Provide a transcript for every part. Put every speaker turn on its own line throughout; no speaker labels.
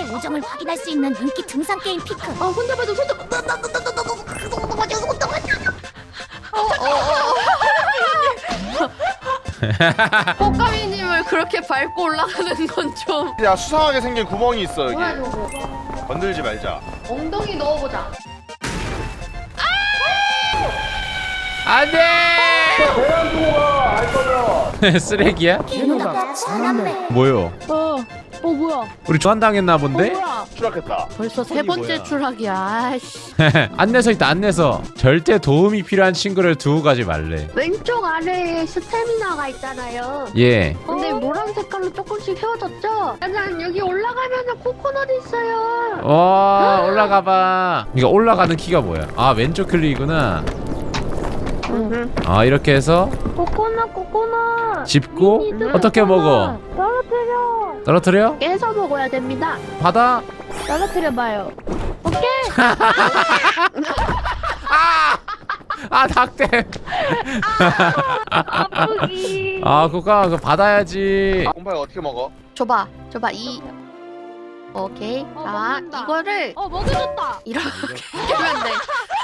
남자의 우정을 확인할 수 있는 인기 등산 게임 피크.
혼자 봐도 손도 꽃가미님을 그렇게 밟고 올라가는 건 좀.
야, 수상하게 생긴 구멍이 있어 여기.
뭐야 저거?
건들지 말자.
엉덩이 넣어보자.
안돼. 쓰레기야?
개누나가 잘났네.
뭐요?
뭐야?
우리 조한당했나 본데?
추락했다.
벌써 세
손이
번째
뭐야?
추락이야. 아이씨.
안내서 있다. 안내서. 절대 도움이 필요한 친구를 두고 가지 말래.
왼쪽 아래에 스태미나가 있잖아요.
예.
근데 노란 색깔로 조금씩 헤어졌죠? 짜잔, 여기 올라가면 코코넛 있어요.
와 올라가봐. 이거 올라가는 키가 뭐야? 아 왼쪽 클릭이구나. 아 이렇게 해서
코코넛.
짚고 어떻게 먹어? 떨어뜨려?
깨서 먹어야 됩니다.
받아.
떨어뜨려봐요. 오케이.
아 닭대.
아프기.
아 그거 그거 받아야지.
공파이 어떻게 먹어?
줘봐. 이. 오케이. 자, 이거를
먹여줬다.
이렇게 하면 돼.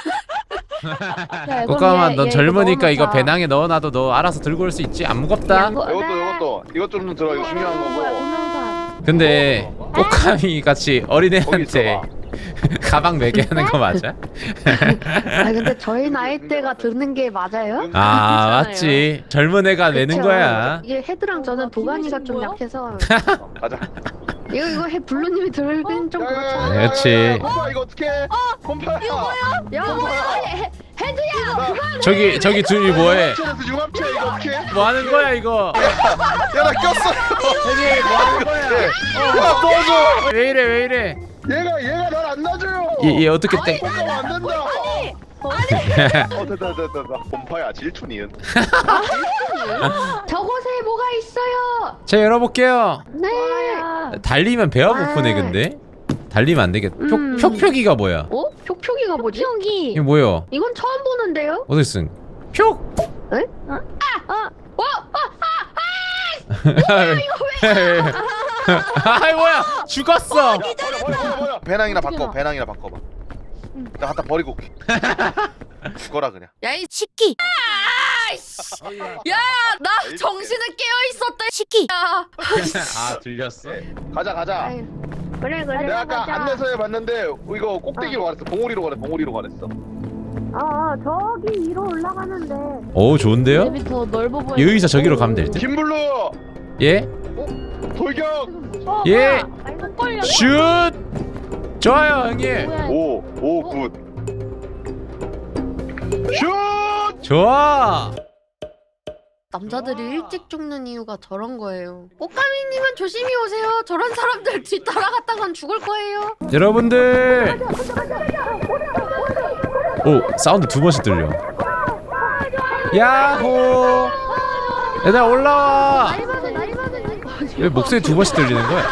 꽃가마 넌 젊으니까 이거 배낭에 넣어놔도 너 알아서 들고 올 수 있지? 안 무겁다.
이것 좀 들어. 이거 중요한 거고.
근데 꽃가미 같이
거기
어린애한테
있어봐.
가방 매게 하는 거 맞아?
아 근데 저희 나이 때가 드는 게 맞아요?
아 맞지. 젊은 애가 매는
그쵸?
거야.
이게 헤드랑 저는 도가니가 좀
뭐야?
약해서
가자.
이거 해 블루님이 들긴 좀 그렇잖아요.
그렇지.
공파 이거 어떻게? 공파야.
야 뭐야? 헤드야.
저기 둘이 뭐해?
융합체 이거 어떻게?
뭐 하는 거야 이거?
야나 꼈어.
저기 뭐 하는 거야?
야 도와줘.
왜 이래?
얘가 날 안 놔줘요.
얘 어떻게 땡?
공파가 안 된다. 됐다. 공파야 질투니은.
저곳에 뭐가 있어요?
자 열어볼게요.
네.
달리면 배가 고프네 근데. 달리면 안 되겠다.
음.
표 뭐야?
어? 촉촉이가 뭐지? 촉촉이.
이게 뭐야?
이건 처음 보는데요?
어디 쓴? 표?
에?
아이 뭐야? 죽었어.
버려. 배낭이나 바꿔. 배낭이나 바꿔봐. 나 갖다 버리고 올게. 죽어라 그냥.
야이
시끼.
야, 나 정신은 깨어 있었다.
시끼.
야.
아 들렸어?
가자.
아유, 그래.
내가 아까 안내서에 봤는데 이거 꼭대기로 가랬어. 봉우리로 가랬어.
저기 위로 올라가는데.
오 좋은데요?
맵이 더 넓어 보여.
여기서 저기로 가면 될 듯?
김블루
예?
돌격.
예?
걸려.
슛! 좋아요 형님.
뭐야?
오 굿. 슛.
좋아.
남자들이 일찍 죽는 이유가 저런 거예요. 꽃가미님은 조심히 오세요. 저런 사람들 뒤 따라갔다간 죽을 거예요.
여러분들. 오 사운드 두 번씩 들려. 야호. 얘들아 올라와. 왜 목소리 두 번씩 들리는 거야?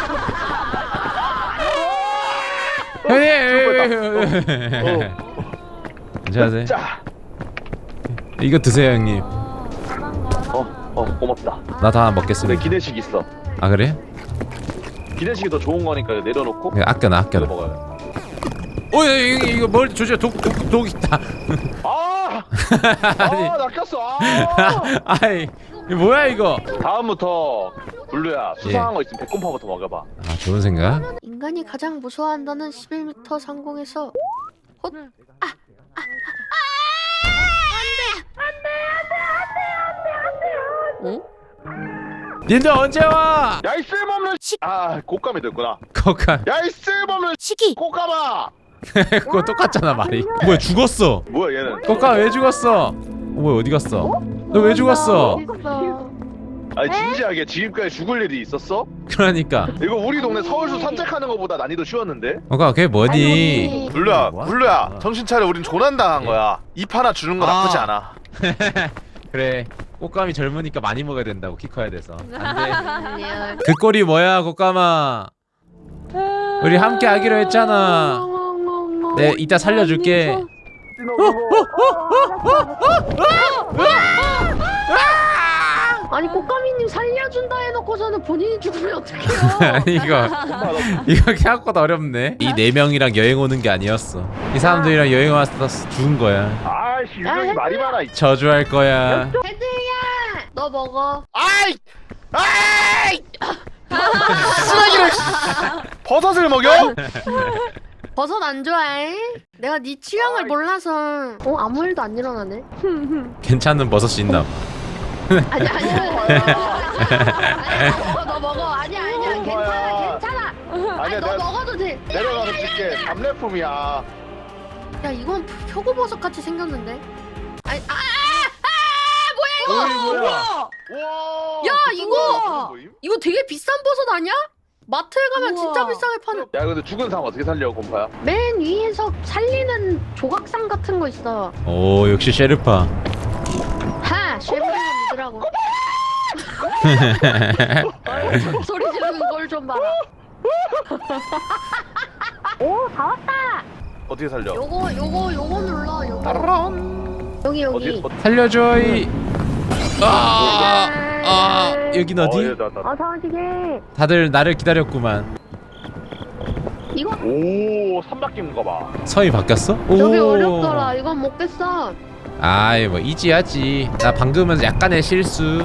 형님. 안녕하세요.
자.
이거 드세요 형님.
고맙다.
나 다
근데
먹겠습니다.
기내식 있어.
아 그래?
기내식이 더 좋은 거니까 내려놓고
그래, 아껴놔.
먹어요.
오 이거 뭘 조져 독 있다.
나 꼈어.
아이 이거 뭐야 이거?
다음부터 블루야 수상한 거 있으면 백곰파부터 먹여봐.
아 좋은 생각.
인간이 가장 무서워한다는 11m 상공에서 헛. 어?
님들 언제 와?
야이 쓸모없는 곶감이 됐구나.
거가
야이 쓸모없는
시끼.
곶감아.
그거 똑같잖아 말이. 뭐야 죽었어?
뭐야 얘는?
거가 왜 죽었어? 뭐야 어디 갔어? 너 왜 죽었어?
아니 진지하게 지금까지 죽을 일이 있었어?
그러니까
이거 우리 동네 서울수 산책하는 것보다 난이도 쉬웠는데?
거가 그게 뭐니?
블루야 정신 차려. 우린 조난당한 거야. 입 하나 주는 거 나쁘지 않아.
그래 꽃감이 젊으니까 많이 먹어야 된다고 키 커야 돼서 안돼.
안녕.
그 꼴이 뭐야 꽃감아? 우리 함께 하기로 했잖아. 네 이따 살려줄게.
아니 꽃가미님 살려준다 해놓고서는 본인이 죽으면 어떡해요?
아니 이거 생각보다 어렵네. 이 4명이랑 여행 오는 게 아니었어. 이 사람들이랑 여행 와서 죽은 거야.
아이씨 유명이 말이 많아.
저주할 거야.
헤드야, 너 먹어.
아이! 아이! 쓰레기를 버섯을 먹여?
버섯 안 좋아해? 내가 네 취향을 몰라서. 아무 일도 안 일어나네.
괜찮은 버섯이 있나?
아니야. 너 먹어. 아니야. 괜찮아.
아니야,
너
내가
먹어도 돼.
내려가서 줄게. 답례품이야.
야, 이건 표고버섯 같이 생겼는데. 아니,
뭐야?
야,
야
이거! 이거 되게 비싼 버섯 아니야? 마트에 가면 진짜 비싸게 파는.
야 근데 죽은 사람 어떻게 살려 곰파야?
맨 위에서 살리는 조각상 같은 거 있어.
오 역시 셰르파.
하, 쉐프를 믿으라고. 소리 지르는 걸 좀 봐라.
오, 다 왔다.
어떻게 살려?
요거 눌러. 요거.
따란.
여기.
어디?
살려줘 이. 여긴 어디?
어서오시게.
다들 나를 기다렸구만.
이거
오, 산 바뀐 거 봐.
성이 바뀌었어? 오.
여기 어렵더라. 이건 못 깼어.
아이 뭐 이지하지. 나 방금은 약간의 실수.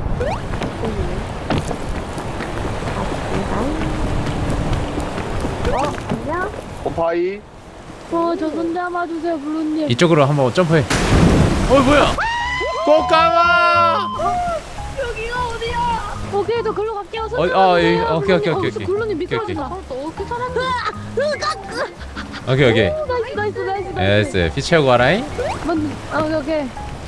안녕.
곰파이.
저 손 잡아주세요, 블루님.
이쪽으로 한번 점프해. 뭐야? 꽃가마.
여기가 어디야?
오케이, 저 글로 갈게요. 손
오케이.
블루님 밑에
오케이.
하신다.
너 어떻게 살았니?
오케이.
나이스.
에스 피 채우고 와라잉.
오케이.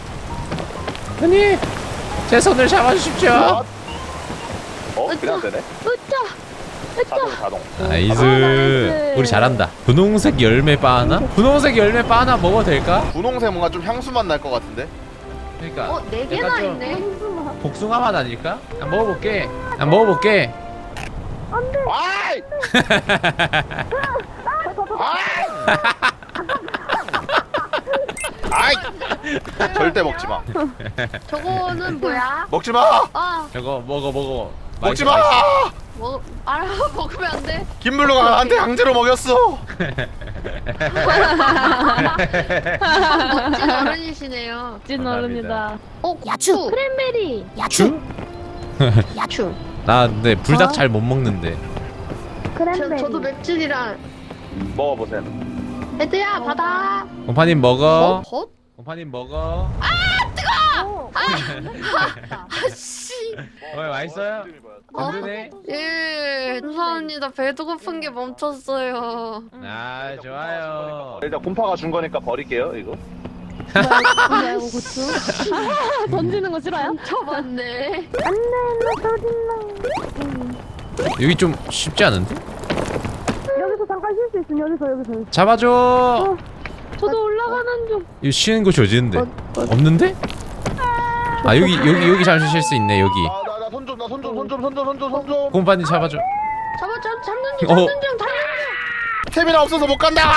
언니 제 손을 잡아주십시오.
그냥 되네. 자동.
나이스.
나이스.
우리 잘한다. 분홍색 열매 바 하나? 분홍색 열매 바 하나 먹어도 될까?
분홍색 뭔가 좀 향수맛 날 것 같은데?
그러니까
4개나
약간 좀
있네.
복숭아 맛 아닐까? 난 먹어볼게.
아이! 아이! 절대 먹지 마.
저거는 뭐야?
먹지 마.
저거 먹어.
먹지
맛있어,
마.
먹으면 안 돼.
김블루가 나한테 강제로 먹였어.
멋진 어른이시네요.
찐 어른이다.
야추.
고추.
크랜베리.
야추.
야추.
나 근데 불닭 잘 못 먹는데.
저도 맵찔이랑.
먹어보세요.
헤드야, 받아.
곰파님 먹어.
벗?
곰파님 먹어.
아씨.
맛있어요? 든든해?
예, 감사합니다. 배도 고픈 게 멈췄어요.
아 좋아요.
일단 곰파가 준 거니까 버릴게요 이거.
뭐야, 고추? 던지는 거 싫어요?
쳐봤네.
여기 좀 쉽지 않은데?
여기서 잠깐 쉴 수 있으면 여기서.
잡아줘.
저도 올라가는 중.
이거 쉬는 곳이 어디인데? 없는데? 아 여기 잠시 쉴 수 있네 여기.
나 손 좀.
곰파님 잡아줘.
잡는 중,
어.
달리는 중.
스태미나 없어서 못 간다.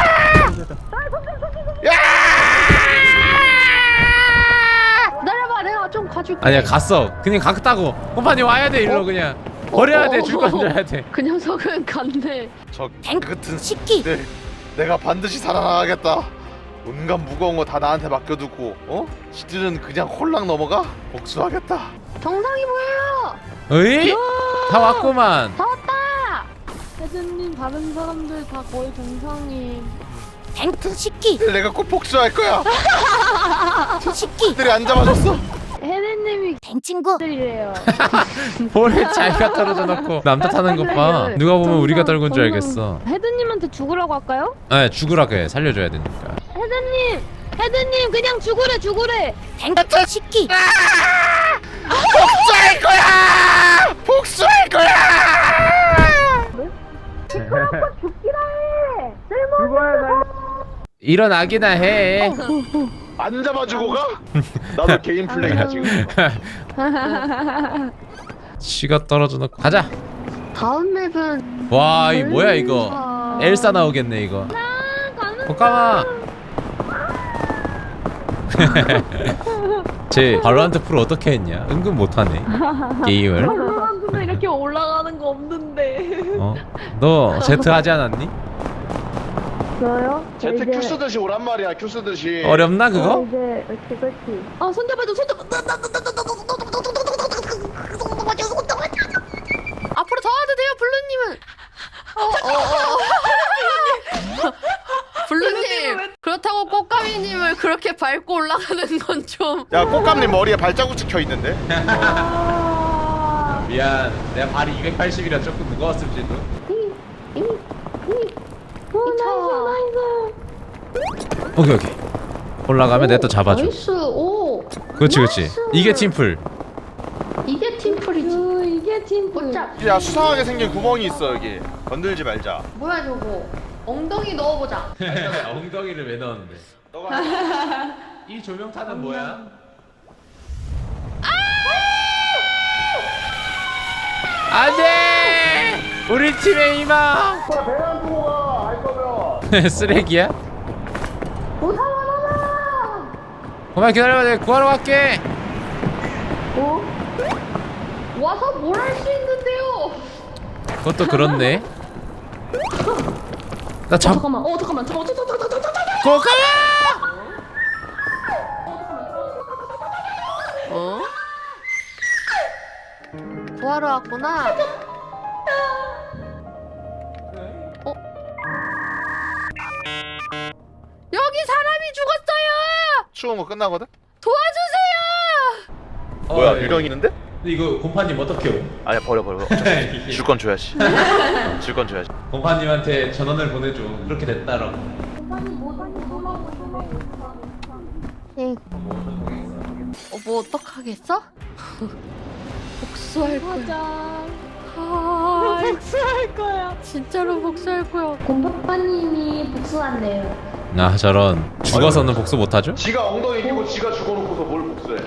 기다려봐, 내가 좀 가줄게.
아니야 갔어. 그냥 갔다고. 곰파님 와야 돼 일로 그냥. 버려야 돼. 줄 건져야 돼.
그 녀석은 간대.
저
뱅.
같은
식기.
네, 내가 반드시 살아나가겠다. 온갖 무거운 거 다 나한테 맡겨두고 지들은 그냥 홀랑 넘어가? 복수하겠다.
정상이 보여요.
어이? 다 왔구만.
다 왔다.
혜진님 다른 사람들 다 거의 정상이.
뱅트 식기.
내가 꼭 복수할 거야.
식기.
들이 안 잡아줬어.
혜진님이
뱅 친구.
들이래요.
볼에 자기가 떨어져 놓고 남 탓하는 것 봐. 누가 보면 우리가 떨군 줄 알겠어.
혜진님한테 죽으라고 할까요?
아 죽으라 그래. 살려줘야 되니까.
혜진님 그냥 죽으래.
뱅트 식기.
복수할 거야. 복수할 거야.
일어나기나 해.
안 잡아주고 가? 나도 개인 플레이야 지금.
치가 떨어져 놓고 가자.
다음 맵은
와 이 뭐야 이거. 엘사 나오겠네 이거. 잠깐만. 제 발로란트 프로 어떻게 했냐? 은근 못하네 게임을.
사람들은 이렇게 올라가는 거 없는데.
어? 너 제트 하지 않았니?
저요?
제트 큐 쓰듯이 오란 말이야. 큐 쓰듯이.
어렵나 그거?
이제 그렇지. 아 손잡아줘 손잡아.
앞으로 더 와도 돼요 블루님은. 블루님 그렇다고 꽃가미님을 그렇게 밟고 올라가는 건 좀.
야 꽃감님 머리에 발자국 찍혀 있는데.
미안 내가 발이 280이라 조금 무거웠을지도. 오케이 오케이 올라가면 내가 또 잡아줘.
나이스. 오.
그렇지 그렇지
나이스.
이게 팀플.
이게 팀플이지.
이게 팀플.
보자.
야 수상하게 생긴 구멍이 있어 여기. 건들지 말자.
뭐야 저거. 엉덩이 넣어보자.
엉덩이를 왜 넣었는데?
너가
이 조명탄은 뭐야? 안돼! 우리 팀의 희망!
배낭 두고 가할 거면.
쓰레기야? 그만 기다려봐 내가 구하러 갈게.
와서 뭘 할 수 있는데요?
그것도 그렇네. 나 잡...
잠깐만. 잠깐만.
고가!
어? 구하러 왔구나. 어? 여기 사람이 죽었어요!
추운 거 끝나거든?
도와주세요!
뭐야 유령 있는데?
근데 이거 곰파님 어떻게 오?
아니야 버려. 줄 건 줘야지. 줄 건 줘야지.
곰파님한테 전원을 보내줘. 그렇게 됐다라고.
응. 뭐 어떡하겠어? 복수할 거야.
맞아.
아,
복수할 거야.
진짜로 복수할 거야.
곰파빠님이 복수한대요.
아 저런 죽어서는 복수 못하죠?
지가 엉덩이 끼고 지가 죽어놓고서 뭘 복수해.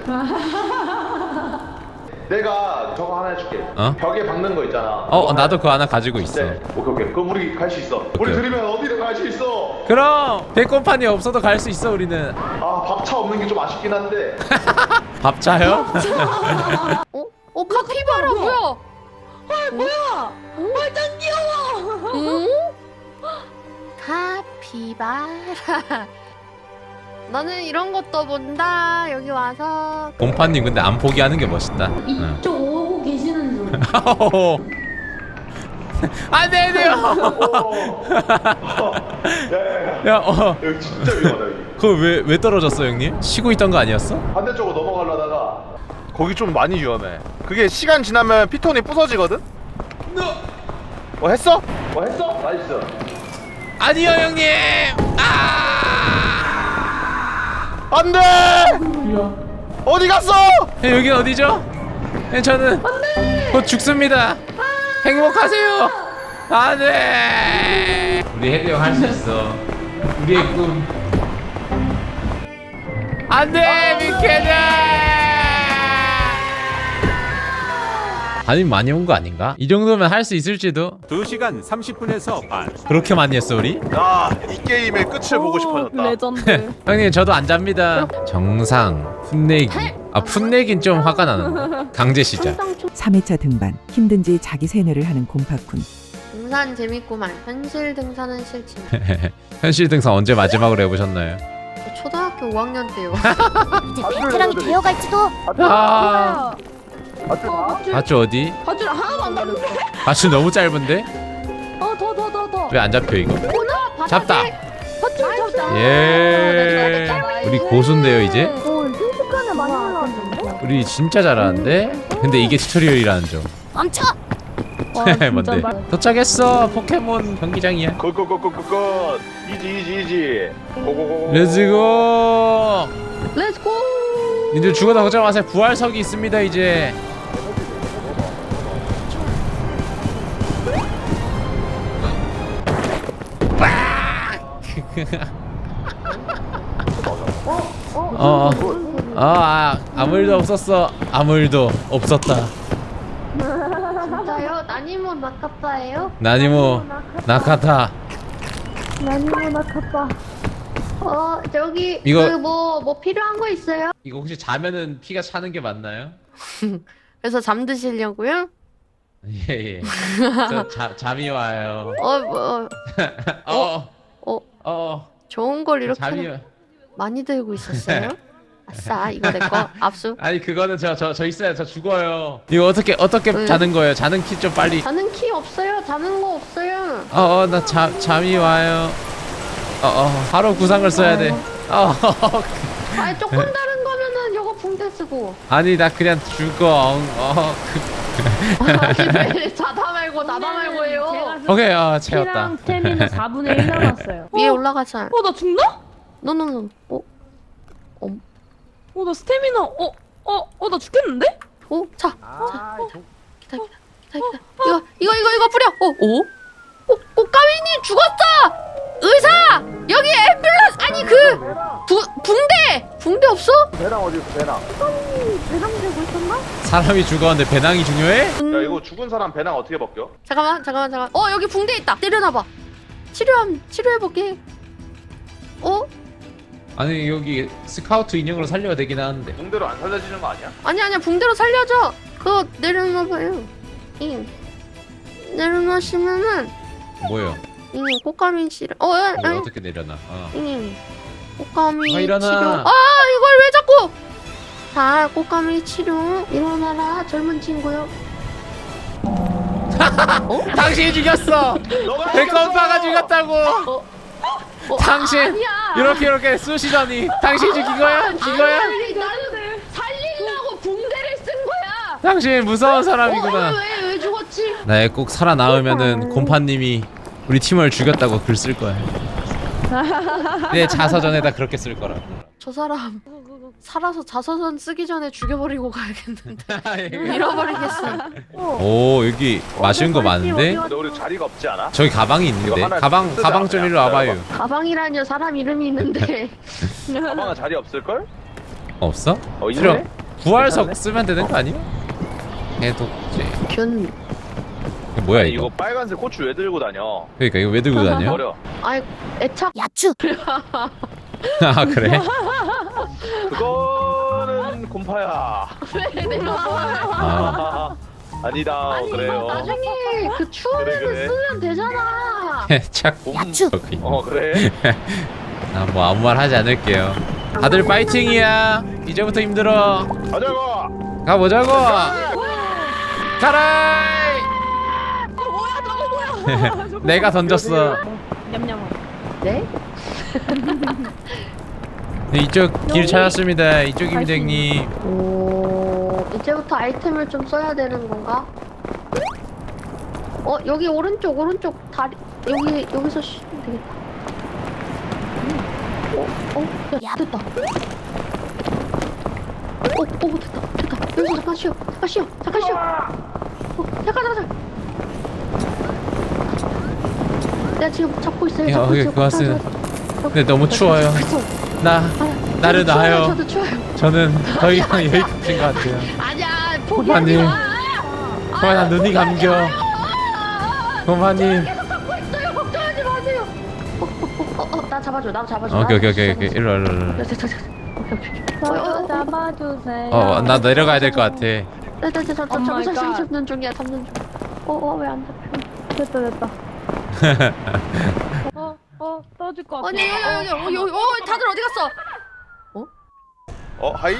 내가 저거 하나 해줄게.
어?
벽에 박는 거 있잖아.
나도 그거 하나 가지고 있어.
네. 오케이. 그럼 우리 갈 수 있어. 우리
오케이.
들으면 어디든 갈 수 있어.
그럼 배꼽판이 없어도 갈 수 있어 우리는.
아 밥차 없는 게 좀 아쉽긴 한데.
밥차요?
카피바라 뭐야?
뭐야? 완전 귀여워.
응? 카피바라. 나는 이런 것도 본다. 여기 와서.
곰파님 근데 안 포기하는 게 멋있다. 응.
이쪽 오고 계시는 중.
안돼 돼요. 야
여기 진짜 위험하다 여기.
그거 왜 떨어졌어 형님? 쉬고 있던 거 아니었어?
반대쪽으로 넘어가려다가 거기 좀 많이 위험해. 그게 시간 지나면 피톤이 부서지거든? 했어? 했어? 나이스.
아니요 형님.
안돼! 어디 갔어?
여긴 어디죠? 저는 곧 죽습니다. 행복하세요. 안돼. 우리 헤드 형 할 수 있어. 우리의 꿈. 안돼 미케다. 아니 많이 온 거 아닌가? 이 정도면 할 수 있을지도.
2시간 30분에서 반.
그렇게 많이 했어 우리?
야, 이 게임의 끝을 보고 싶어졌다.
레전드.
형님 저도 안 잡니다. 정상 풋내기. 풋내긴 좀 화가 나는데. 강제 시작.
3회차 등반 힘든지 자기 세뇌를 하는 곰파쿤.
등산 재밌구만. 현실 등산은 싫지만.
현실 등산 언제 마지막으로 해보셨나요?
초등학교 5학년 때요.
이제 베테랑이 되어갈지도.
아,
밧줄.
밧줄 어디?
밧줄 하나도 안 다른데?
밧줄 너무 짧은데?
더.
왜 안 잡혀 이거? 잡다.
밧줄 잡자.
예. 우리 고수인데요 이제?
순식간에 많이 올라왔는데?
우리 진짜 잘하는데? 근데 이게 튜토리얼이라는 점.
멈춰.
뭔데? 도착했어. 포켓몬 경기장이야.
굿. 이지. 고고고.
렛츠고.
렛츠고.
니들 죽어도 걱정 마세요. 부활석이 있습니다 이제. 아무 일도 없었어. 아무 일도 없었다.
진짜요? 나니모 나카빠예요?
나니모 나카타.
나니모 나카빠.
저기
이거-
그 뭐 필요한 거 있어요?
이거 혹시 자면은 피가 차는 게 맞나요?
그래서 잠드시려고요?
예예. 저 잠이 와요.
좋은 걸 이렇게
잠이
많이 들고 있었어요? 아싸, 이거 내 거 압수.
아니 그거는 저 있어요. 저 죽어요. 이거 어떻게
왜?
자는 거예요? 자는 키 좀 빨리.
자는 키 없어요. 자는 거 없어요.
나 잠이 와요. 바로 구상을 써야 돼.
아니 조금 다른 거면은 이거 붕대 쓰고.
아니 나 그냥 죽어.
아니 왜 자다 말고 나다 말고 해요.
오케이 채웠다.
피랑 스태미나 4분의 1 남았어요.
위에 올라가자.
나 죽나?
노노노.
나 스태미나 나 죽겠는데?
자. 기다. 이거 뿌려. 꽃가위님 죽었어. 의사 여기 앰뷸런스 아니 붕대 없어?
배낭 어디 있어 배낭?
배낭 들고 있었나?
사람이 죽었는데 배낭이 중요해?
야 이거 죽은 사람 배낭 어떻게 벗겨?
잠깐만. 여기 붕대 있다. 때려놔봐. 치료해볼게.
아니 여기 스카우트 인형으로 살려야 되긴 하는데.
붕대로 안 살려지는 거 아니야?
아니야 붕대로 살려줘. 그거 내려놔봐요. 내려놓으시면은
뭐요?
꽃가미 치료.
이거 어떻게 내려놔?
꽃가미
일어나.
치료. 이걸 왜 자꾸? 자, 꽃가미 치료. 일어나라, 젊은 친구요.
당신이 죽였어. 백건파가 죽였다고. 당신
아니야.
이렇게 쑤시더니 당신이 죽인 거야?
아니, 나는 살리려고 붕대를 쓴 거야.
당신 무서운 사람이구나.
왜 죽었지?
나 꼭 살아나오면은 곰파님이 우리 팀을 죽였다고 글 쓸 거야. 내 자서전에다 그렇게 쓸 거라고.
저 사람 살아서 자서전 쓰기 전에 죽여버리고 가야겠는데. 잃어버리겠어.
오 여기 맛있는 거 많은데?
근데 우리 자리가 없지 않아?
저기 가방이 있는데?
이거 하나
가방
쓰자,
좀
그냥.
일로 와봐요.
가방이라뇨 사람 이름이 있는데.
가방은 자리 없을걸?
없어?
있네?
필요 부활석 쓰면 되는 거 아니야? 해독제.
균.
이거 뭐야
이거
이거?
빨간색 고추 왜 들고 다녀?
그러니까 이거 왜 들고 다녀?
버려.
아이 애착. 야추.
아 그래?
그거는 곰파야.
왜 내가
아
아니다. 그래요.
나중에 그 추억에는
그래.
쓰면 되잖아.
착.
야추. 그래.
나 뭐 아무 말 하지 않을게요. 다들 파이팅이야. 이제부터 힘들어.
가자고.
가보자고. 가라. 내가 던졌어.
냠냠.
네?
네, 이쪽 길 찾았습니다. 이쪽입니다, 형님.
오, 이제부터 아이템을 좀 써야 되는 건가? 여기 오른쪽 다리 여기서 쉬면 되겠다. 야 됐다. 됐다. 여기서 잠깐 쉬어. 잠깐. 내가 지금 잡고 있어요.
야,
잡고
오케이,
있어요.
고맙습니다. 근데 너무 추워요. 나를
추워요.
놔요.
저도 추워요.
저는 더 이상 여기까지인 것 같아요.
아니야,
고마님.
포기하지 마.
나 눈이 감겨. 고마님.
계속 잡고 있어요. 걱정하지 마세요. 나 잡아줘.
오케이. 일로 와.
저도 잡아주세요.
나 내려가야 될 것 같아.
잡는 중이야. 왜 안 잡혀?
됐다. 떨어질 것 같아.
아니, 여기, 다들 어디 갔어?
하이.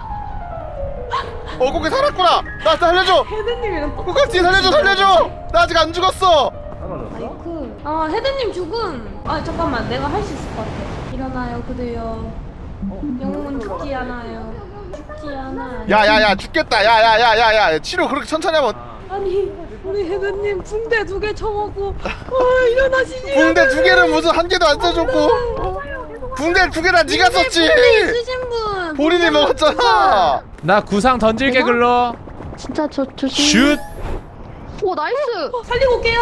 고개 살았구나. 나 살려줘.
헤드님이랑
고각지 살려줘. 나 아직 안 죽었어.
헤드님 죽음. 잠깐만, 내가 할 수 있을 것 같아. 일어나요, 그대여. 영웅은 죽지 않아요.
야야야 죽겠다. 야야야야야 치료 그렇게 천천히 하면.
아니, 우리 헤드님 붕대 2개 쳐먹고 일어나시지.
붕대 2개를 무슨 한 개도 안 써줬고. 붕대 2개나 네가 썼지.
있으신 분.
본인이 먹었잖아.
나 구상 던질게 글로.
진짜 조심.
슛.
오, 나이스.
살리고 올게요.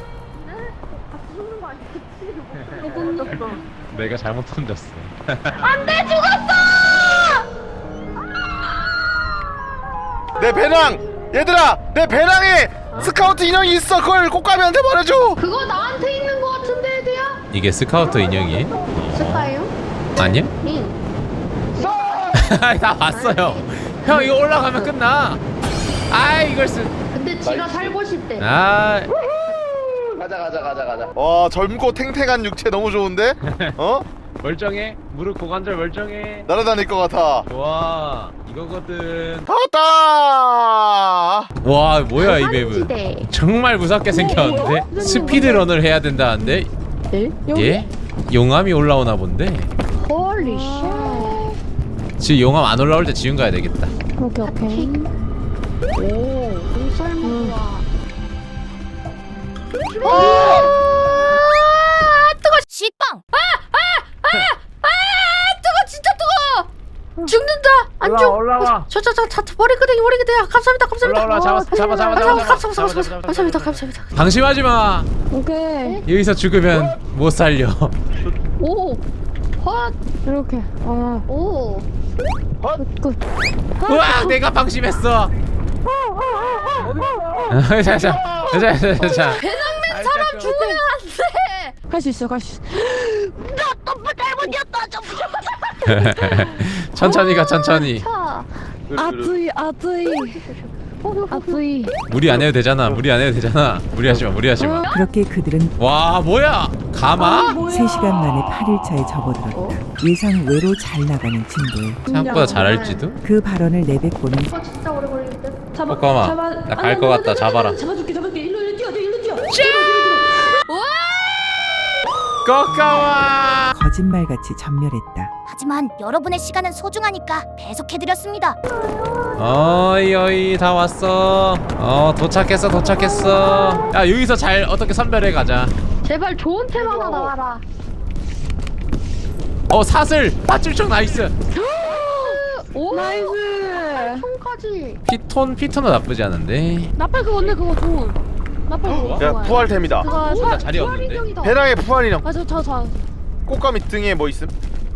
내가 잘못 던졌어.
안돼, 죽었어.
내 배낭. 얘들아 내 배낭에 스카우트 인형이 있어. 그걸 꽃가미한테 말해줘.
그거 나한테 있는 거 같은데, 애들야?
이게 스카우터 인형이?
쓸까요?
아니야?
응.
다 왔어요. 형 이거 올라가면 끝나. 아 이걸 쓰.
근데 지가 살고 싶대.
아
가자. 와 젊고 탱탱한 육체 너무 좋은데? 어?
멀쩡해. 무릎 고관절 멀쩡해.
날아다닐 것 같아.
와 이거거든.
다 왔다.
와 뭐야 이 맵은.
한지대.
정말 무섭게 생겼는데 스피드런을 해야 된다는데. 예? 용암이 올라오나 본데.
홀리 쉣.
지금 용암 안 올라올 때 지금 가야 되겠다.
오케이.
오, 공설무와. 뜨거.
식빵.
뜨거 진짜 뜨거. 죽는다. 안 죽.
올라와.
저 머리끄댕이. 감사합니다.
올라와 잡아.
감사합니다.
방심하지 마.
오케이.
여기서 죽으면 못 살려.
오. 헛.
이렇게.
오.
끝.
우와 내가 방심했어. 자.
사람 죽으면 안 돼.
할 수 있어.
천천히 가 천천히.
자.
아뜨이.
무리 안 해도 되잖아. 무리하지 마.
그렇게 그들은
와 뭐야 가마?
3시간 만에 8일차에 접어들었다. 예상 외로 잘 나가는 친구.
생각보다 잘할지도?
그 발언을 내뱉고는
진짜 오래 걸릴 듯.
잠깐만 나 갈 것 같다. 잡아라.
잡아줄게. 일로 뛰어.
꼬까마.
거짓말같이 전멸했다.
하지만 여러분의 시간은 소중하니까 배속해드렸습니다.
어이 다 왔어. 도착했어. 야 여기서 잘 어떻게 선별해 가자.
제발 좋은 템 하나 나와라.
사슬 밧줄총 나이스.
오.
나이스.
총까지.
피톤은 나쁘지 않은데.
나팔 그거 언니 그거 좋은. 나팔 그거
야
좋아요.
부활템이다.
그거
나 자리 없는데.
인형이다.
배낭에 부활 인형.
저.
꽃가미 등에 뭐 있음?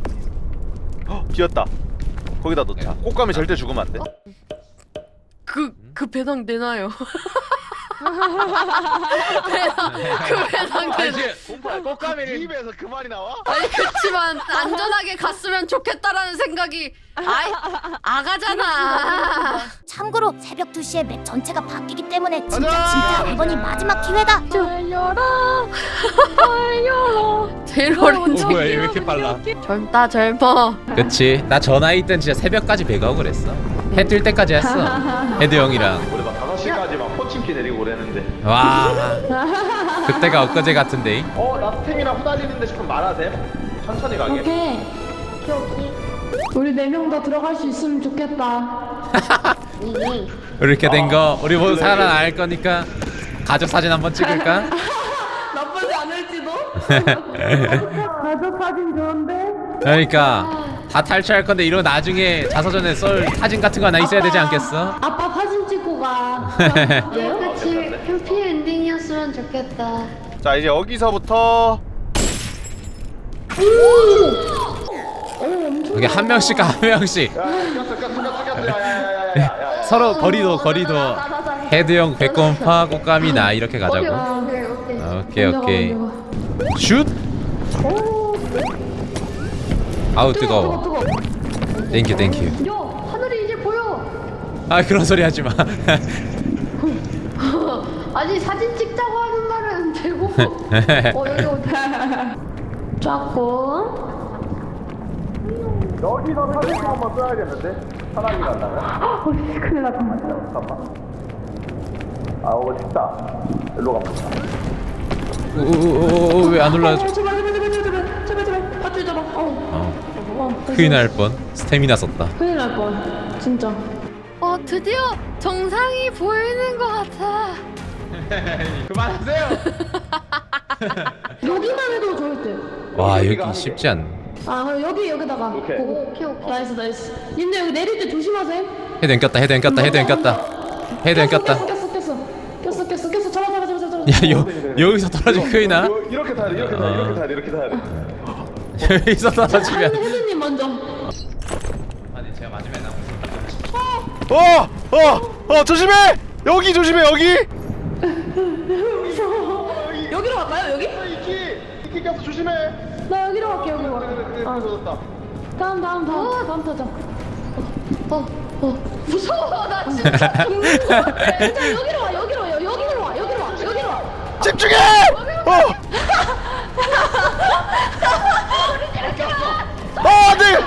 비었다. 거기다 넣자. 꽃가미 절대 죽으면 안 돼.
그 배낭 내놔요. 배낭 내놔.
꽃가미를 입에서 그 말이 나와?
아니 그치만 안전하게 갔으면 좋겠다라는 생각이 아가잖아.
참고로 새벽 2시에 맵 전체가 바뀌기 때문에 진짜 이번이 마지막 기회다.
달려라.
제일 어린
뭐야 왜 이렇게 빨라?
젊다 젊어.
그치 나 저 나이 땐 진짜 새벽까지 배가옥을 했어. 해 뜰 때까지 했어. 헤드 형이랑.
우리 막 5시까지 막 포침기 내리고 그랬는데.
와 그때가 엊그제 같은데.
나 스템이랑 후달리는데 싶으면 말하세요. 천천히 가게.
오케이. 우리 4명 다 들어갈 수 있으면 좋겠다.
이렇게 된 거 우리 모두 살아날 거니까 가족 사진 한번 찍을까?
나쁘지 않을지도. 가족 사진 좋은데.
그러니까 다 탈출할 건데 이러고 나중에 자서전에 썰 사진 같은 거 하나 있어야 되지 않겠어?
아빠 사진 찍고 가.
그치 해피 엔딩이었으면 좋겠다.
자 이제 여기서부터
여기 한 명씩 가 한 명씩. 서로 거리도 헤드형 백곰파 꽃감이 나 이렇게 가자고. 오케이 슛. 아우 뜨거워. 땡큐
야 하늘이 이제 보여.
아 그런 소리 하지 마.
아니 사진 찍자고 하는 말은 되고. 여기 어디?
쫙고.
여기서 사진 한번 써야겠는데? 사람이 간다면?
큰일 났다.
잠깐만. 오고 싶다. 일로 가보자.
왜 안 올라줘?
제발. 밧줄 잡아.
큰일 날 뻔. 스태미나 썼다.
큰일 날 뻔. 진짜.
드디어 정상이 보이는 것 같아.
그만하세요.
여기만 해도 좋을 듯.
와 여기 쉽지 않네.
그럼 여기다가.
오케이.
오케이.
나이스. 님들 여기 내릴 때 조심하세요.
헤드 안 꼈다.
꼈어. 잡아.
야 여기서 떨어지면 큰일 나.
이렇게 타야 돼. 이렇게 타야 돼.
여기서 떨어지면.
헤드님 먼저.
아니 제가 마지막에 나온.
조심해! 여기 조심해 여기!
여기로 갈까요? 여기?
이키 키 꼈어 조심해.
나 여기로 갈게 여기로.
다
다음 타자.
무서워 나 진짜 죽는 거 같아.
진짜 여기로 와 여기로 와.
집중해. 안돼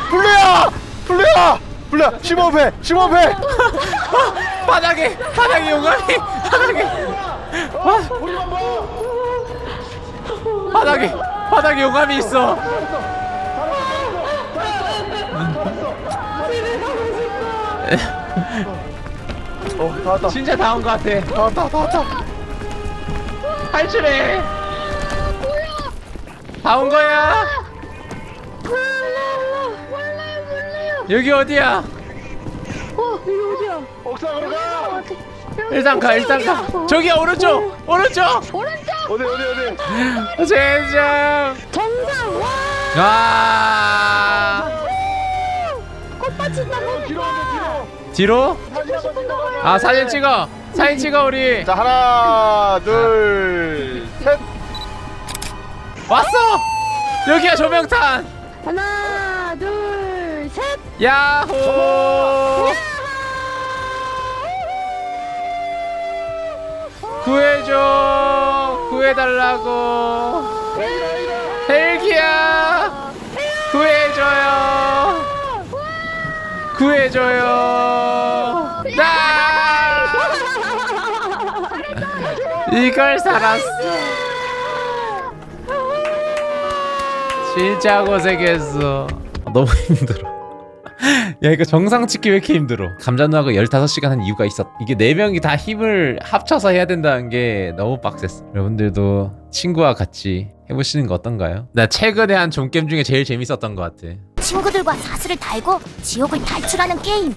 블루야 심호흡해.
바닥에 용암이 바닥에 용암이 있어.
다 왔다.
진짜 다 온 것 같아.
다 왔다.
탈출해. 다 온 거야. 여기 어디야?
옥상으로 가.
일단 가. 저기야 오른쪽.
어디.
젠장.
정상 와.
아. 뒤로? 아 사진 찍어 우리.
자 하나 둘 셋.
왔어. 여기야 조명탄.
하나 둘 셋.
야호. 구해달라고. 헬기야 구해줘요. 이걸 살았어. 진짜 고생했어. 너무 힘들어. 야 이거 정상 찍기 왜 이렇게 힘들어. 감자누나가 15시간 한 이유가 있었. 이게 4명이 다 힘을 합쳐서 해야 된다는 게 너무 빡셌어. 여러분들도 친구와 같이 해보시는 거 어떤가요? 나 최근에 한 좀게임 중에 제일 재밌었던 것 같아.
친구들과 사슬을 달고 지옥을 탈출하는 게임.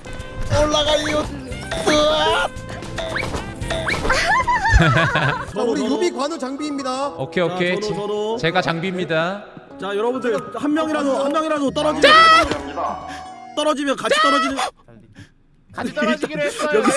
우리 유비 관우 장비입니다.
오케이.
서로.
제가 장비입니다.
자 여러분들 한 명이라도 떨어지면 같이 떨어지는.
같이 떨어지기로 했어요.
여기서